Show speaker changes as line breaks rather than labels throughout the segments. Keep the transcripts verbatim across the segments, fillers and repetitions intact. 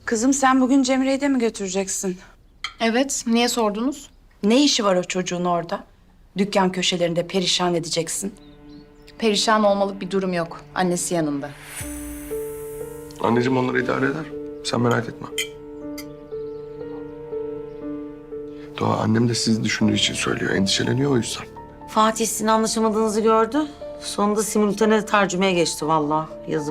Kızım sen bugün Cemre'yi de mi götüreceksin?
Evet, niye sordunuz?
Ne işi var o çocuğun orada? Dükkan köşelerinde perişan edeceksin.
Perişan olmalık bir durum yok. Annesi yanında.
Anneciğim onları idare eder. Sen merak etme. Doğa annem de sizi düşündüğü için söylüyor. Endişeleniyor o yüzden.
Fatih sizin anlaşamadığınızı gördü. Sonunda simultane tercümeye geçti vallahi. Yazık.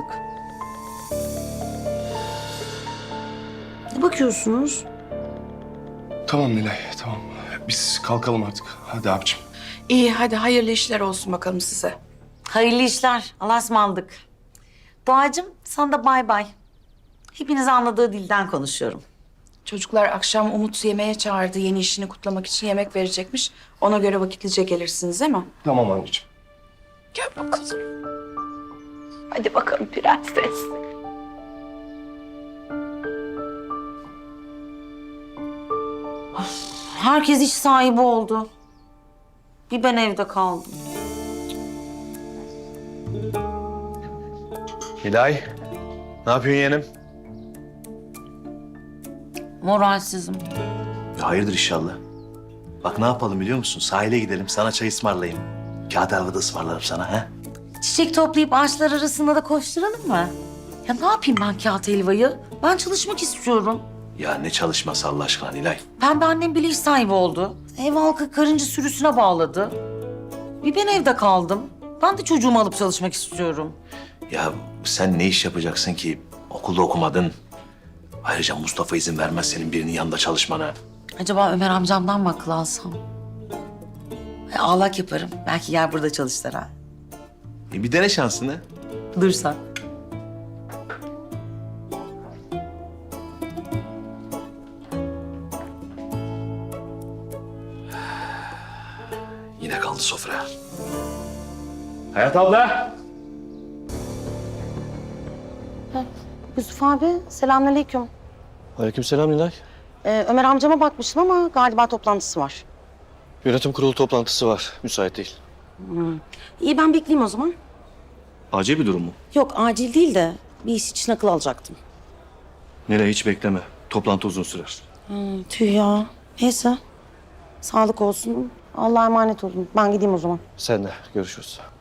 Ne bakıyorsunuz?
Tamam Nilay, tamam. Biz kalkalım artık. Hadi abicim.
İyi hadi hayırlı işler olsun bakalım size.
Hayırlı işler. Allah'a ısmarladık. Doğacığım sana da bay bay. Hepiniz anladığı dilden konuşuyorum.
Çocuklar akşam Umut yemeğe çağırdı. Yeni işini kutlamak için yemek verecekmiş. Ona göre vakitlice gelirsiniz değil mi?
Tamam anneciğim.
Gel bakalım. Hadi bakalım prenses.
Herkes iş sahibi oldu. Bir ben evde kaldım.
Hilal, ne yapıyorsun yeğenim?
Moralsizim.
Ya hayırdır inşallah. Bak ne yapalım biliyor musun? Sahile gidelim, sana çay ısmarlayayım. Kağıt helva ısmarlarım sana ha.
Çiçek toplayıp ağaçlar arasında da koşturalım mı? Ya ne yapayım ben kağıt helvayı? Ben çalışmak istiyorum.
Ya ne çalışması Allah aşkına Nilay.
Pembe annem bile iş sahibi oldu. Ev halkı karınca sürüsüne bağladı. Bir ben evde kaldım. Ben de çocuğumu alıp çalışmak istiyorum.
Ya sen ne iş yapacaksın ki? Okulda okumadın. Ayrıca Mustafa izin vermez senin birinin yanında çalışmana.
Acaba Ömer amcamdan mı akıl alsam? E, ağlak yaparım. Belki gel burada çalışır ha.
E bir dene şansını.
Dursan.
Yine kaldı sofra. Hayat abla.
Yusuf abi, selamünaleyküm.
Aleykümselam Nilay.
Ee, Ömer amcama bakmıştım ama galiba toplantısı var.
Yönetim kurulu toplantısı var. Müsait değil.
İyi, ben bekleyeyim o zaman.
Acil bir durum mu?
Yok, acil değil de bir iş için akıl alacaktım.
Nilay hiç bekleme. Toplantı uzun sürer.
Hmm, tüh ya. Neyse. Sağlık olsun. Allah'a emanet olun. Ben gideyim o zaman.
Sen de görüşürüz.